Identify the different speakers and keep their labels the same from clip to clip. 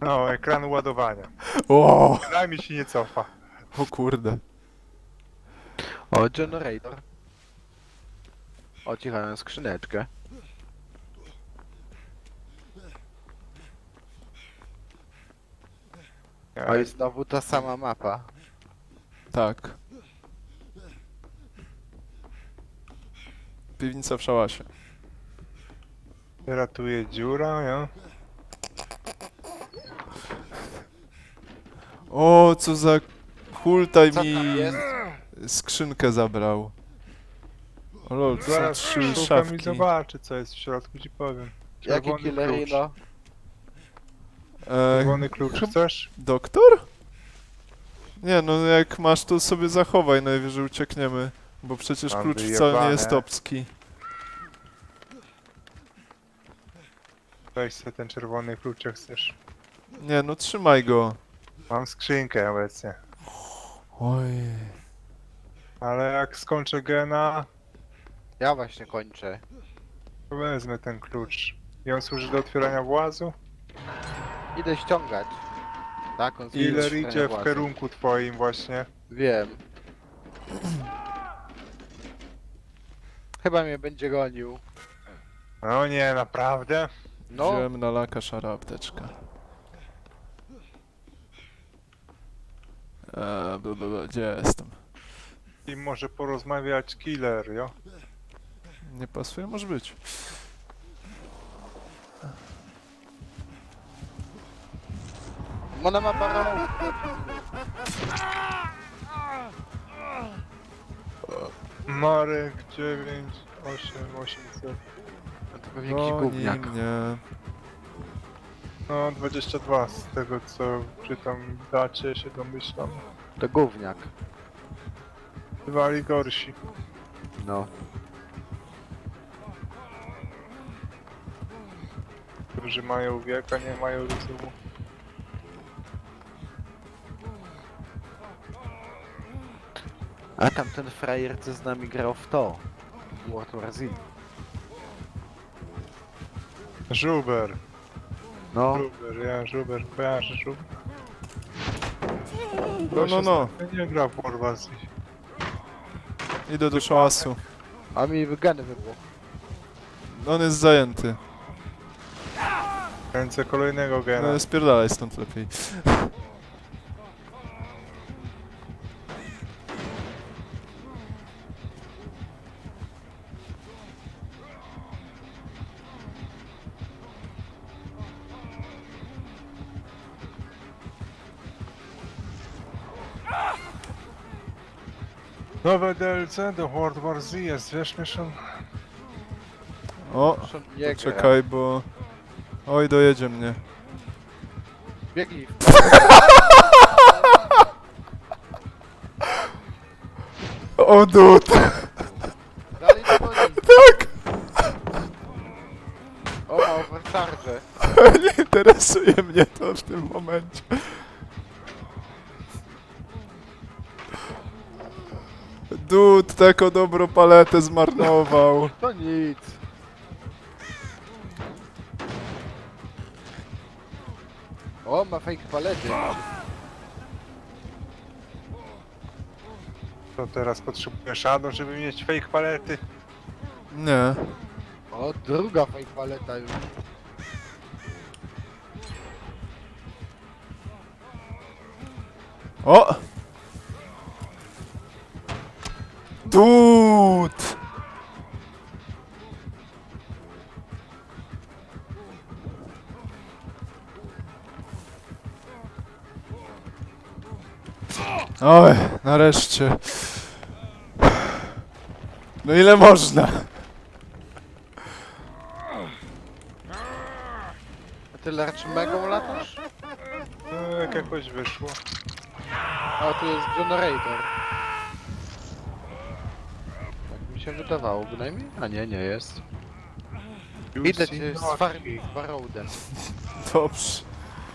Speaker 1: No, ekran ładowania.
Speaker 2: O,
Speaker 1: Przynajmniej się nie cofa.
Speaker 2: o kurde.
Speaker 3: O, generator. O, cichałem skrzyneczkę. O, i znowu ta sama mapa.
Speaker 2: Tak. Piwnica w szałasie.
Speaker 1: Ratuje dziura, ja?
Speaker 2: O, co za hultaj
Speaker 3: Co
Speaker 2: mi
Speaker 3: tam jest?
Speaker 2: skrzynkę zabrał. O lol, to są
Speaker 1: Zaraz
Speaker 2: 3
Speaker 1: szukam
Speaker 2: szafki.
Speaker 1: i zobaczę, co jest w środku, ci powiem.
Speaker 3: Jaki
Speaker 1: Czerwony klucz.
Speaker 3: killerino?
Speaker 1: Czerwony klucz
Speaker 2: chyba-
Speaker 1: chcesz?
Speaker 2: Doktor? Nie, no jak masz, to sobie zachowaj, najwyżej uciekniemy. Bo przecież
Speaker 1: Mam
Speaker 2: klucz wcale nie
Speaker 1: wyjebane.
Speaker 2: jest obski.
Speaker 1: Weź sobie ten czerwony klucz, jak chcesz.
Speaker 2: Nie, no trzymaj go.
Speaker 1: Mam skrzynkę obecnie.
Speaker 2: Oj.
Speaker 1: Ale jak skończę gena,
Speaker 3: Ja właśnie kończę.
Speaker 1: to wezmę ten klucz. I on służy do otwierania włazu?
Speaker 3: Idę ściągać. Tak, on służy do
Speaker 1: Killer
Speaker 3: otwierania
Speaker 1: idzie w
Speaker 3: włazu.
Speaker 1: kierunku twoim właśnie.
Speaker 3: Wiem. Chyba mnie będzie gonił.
Speaker 1: No nie, naprawdę?
Speaker 3: No,
Speaker 2: Wziąłem na laka szara apteczka. Gdzie jestem?
Speaker 1: I może porozmawiać killer, jo?
Speaker 2: Nie pasuje? Może być.
Speaker 3: ona ma parą.
Speaker 1: Marek 9, 8, 800.
Speaker 3: No to pewnie jakiś gówniak.
Speaker 2: mnie.
Speaker 1: No 22 z tego co czytam w dacie się domyślam.
Speaker 3: To gówniak.
Speaker 1: Bywali gorsi.
Speaker 3: No.
Speaker 1: Którzy mają wiek, a nie mają rozumu.
Speaker 3: A tamten frajer, co z nami grał w to. World War Z.
Speaker 1: Żuber.
Speaker 3: No,
Speaker 1: Żuber, kojarzę Żuber.
Speaker 2: No.
Speaker 1: Nie gra w Warwazy.
Speaker 2: Idę do szałasu.
Speaker 3: a mi geny wybuchł.
Speaker 2: On jest zajęty.
Speaker 1: Kręcę kolejnego gena.
Speaker 2: No, spierdalaj stąd lepiej.
Speaker 1: Nowe DLC do World War Z jest, wiesz Mieszan?
Speaker 2: O,
Speaker 3: Proszę nie
Speaker 2: czekaj, bo... Oj, dojedzie mnie.
Speaker 3: Biegnij.
Speaker 2: O, dud!
Speaker 3: Dalej do goni.
Speaker 2: Tak!
Speaker 3: O, ma overcharge.
Speaker 2: Nie interesuje mnie to w tym momencie. Dud, taką dobrą paletę zmarnował.
Speaker 3: To nic. O, ma fake palety.
Speaker 1: To teraz potrzebuję Shadow, żeby mieć fake palety.
Speaker 2: Nie.
Speaker 3: O, druga fake paleta już.
Speaker 2: O! Dud! Oj, nareszcie. No ile można?
Speaker 3: A ty lecz megą latasz?
Speaker 1: No, jak jakoś wyszło.
Speaker 3: A tu jest generator. Tak mi się wydawało bynajmniej. A nie, nie jest. Idę cię z Farroadem.
Speaker 2: Dobrze.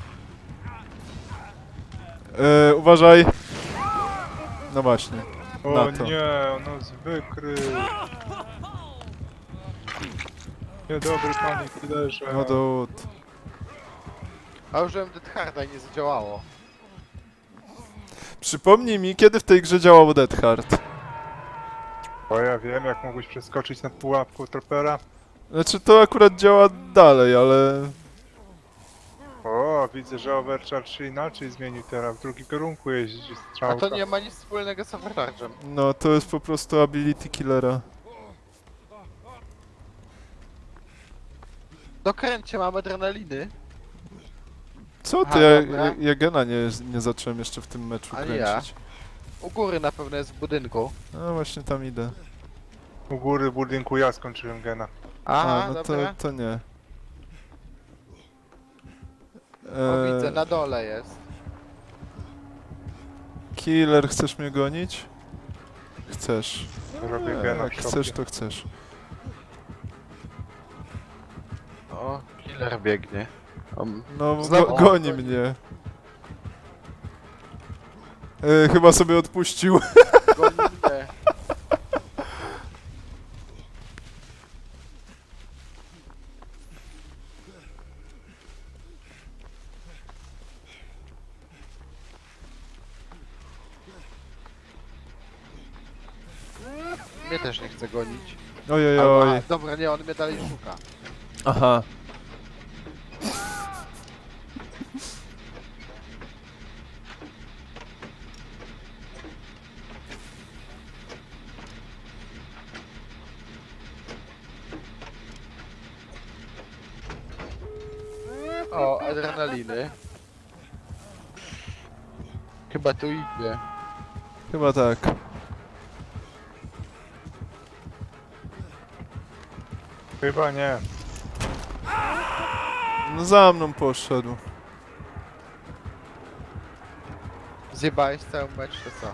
Speaker 2: Uważaj. No właśnie.
Speaker 1: O
Speaker 2: Na to.
Speaker 1: nie, on nas wykrył. Niedobry panie killerze.
Speaker 2: No dud.
Speaker 3: A użyłem Dead Harda i nie zadziałało.
Speaker 2: Przypomnij mi, kiedy w tej grze działał Dead Hard.
Speaker 1: Bo ja wiem, jak mogłeś przeskoczyć nad pułapką tropera.
Speaker 2: Znaczy to akurat działa dalej, ale...
Speaker 1: O, widzę, że Overcharge się inaczej zmienił teraz. W drugim kierunku jeździ
Speaker 3: A
Speaker 1: strzałka.
Speaker 3: to nie ma nic wspólnego z Overcharge'em.
Speaker 2: No, to jest po prostu ability killera.
Speaker 3: Dokręcie, mam adrenaliny.
Speaker 2: Co ty?
Speaker 3: Aha,
Speaker 2: Ja,
Speaker 3: dobra.
Speaker 2: ja gena nie zacząłem jeszcze w tym meczu
Speaker 3: Ani ja.
Speaker 2: kręcić.
Speaker 3: U góry na pewno jest w budynku.
Speaker 2: No właśnie tam idę.
Speaker 1: U góry budynku ja skończyłem gena.
Speaker 3: Aha,
Speaker 2: A, no
Speaker 3: dobra.
Speaker 2: to nie.
Speaker 3: O, widzę, na dole jest.
Speaker 2: Killer, chcesz mnie gonić? Chcesz.
Speaker 1: Robię gena
Speaker 2: Jak
Speaker 1: w
Speaker 2: chcesz,
Speaker 1: szopie.
Speaker 2: to chcesz.
Speaker 3: O, killer biegnie.
Speaker 2: No,
Speaker 3: Znowu-
Speaker 2: goni
Speaker 3: o,
Speaker 2: mnie. Chyba sobie odpuścił.
Speaker 3: Goni mnie. Mnie też nie chce gonić.
Speaker 2: Ojej,
Speaker 3: Albo,
Speaker 2: oj.
Speaker 3: a, dobra, nie, on mnie dalej szuka.
Speaker 2: Aha.
Speaker 3: O, adrenaliny. Chyba tu idzie.
Speaker 2: Chyba tak.
Speaker 1: Chyba nie.
Speaker 2: No za mną poszedł.
Speaker 3: Zjebałeś cały mecz, to co?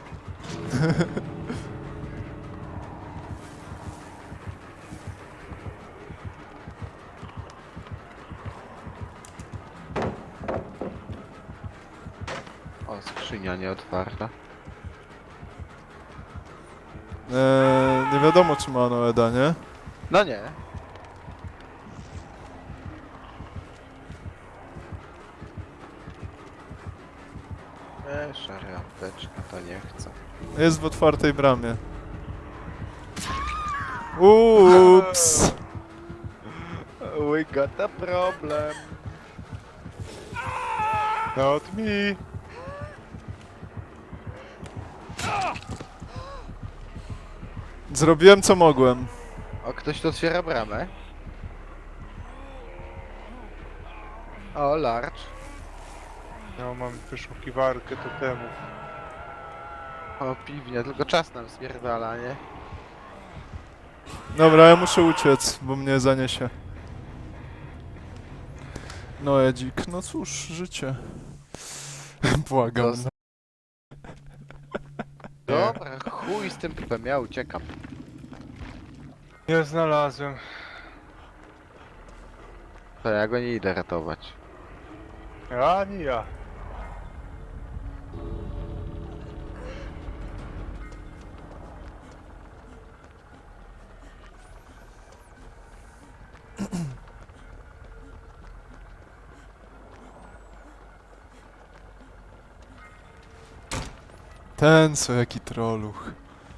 Speaker 3: O, skrzynia nieotwarta.
Speaker 2: Nie wiadomo, czy ma ono Eda, nie?
Speaker 3: No nie. Szara apteczka, to nie chcę.
Speaker 2: Jest w otwartej bramie. Ups.
Speaker 3: We got a problem.
Speaker 1: Not me.
Speaker 2: Zrobiłem co mogłem.
Speaker 3: O, ktoś tu otwiera bramę. O, large.
Speaker 1: Ja mam wyszukiwarkę totemów.
Speaker 3: O, piwnia, tylko czas nam spierdala, nie?
Speaker 2: Dobra, ja muszę uciec, bo mnie zaniesie. No Edzik, no cóż, życie. Błagam.
Speaker 3: Dos- Dobra, chuj z tym pipem, ja uciekam.
Speaker 1: Nie znalazłem.
Speaker 3: To ja go nie idę ratować.
Speaker 1: Ani ja.
Speaker 2: Ten co, jaki troluch.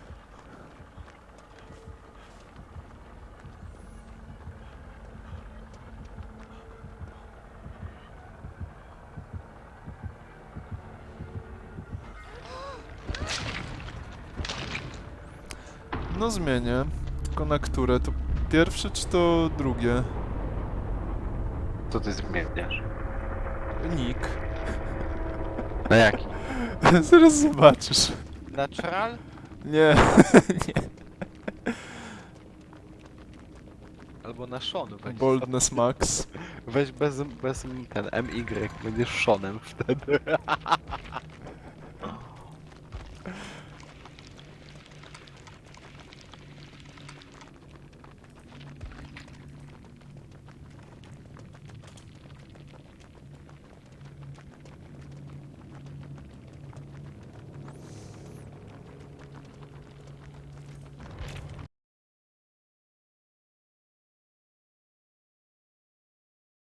Speaker 2: No zmienię. Tylko na które? To pierwsze czy to drugie?
Speaker 3: Co ty zmieniasz?
Speaker 2: Nick.
Speaker 3: Na jaki?
Speaker 2: Zaraz zobaczysz.
Speaker 3: Natural?
Speaker 2: Nie, nie.
Speaker 3: Albo na Sean weź.
Speaker 2: Boldness Max.
Speaker 3: Weź bez ten MY, będziesz Seanem wtedy.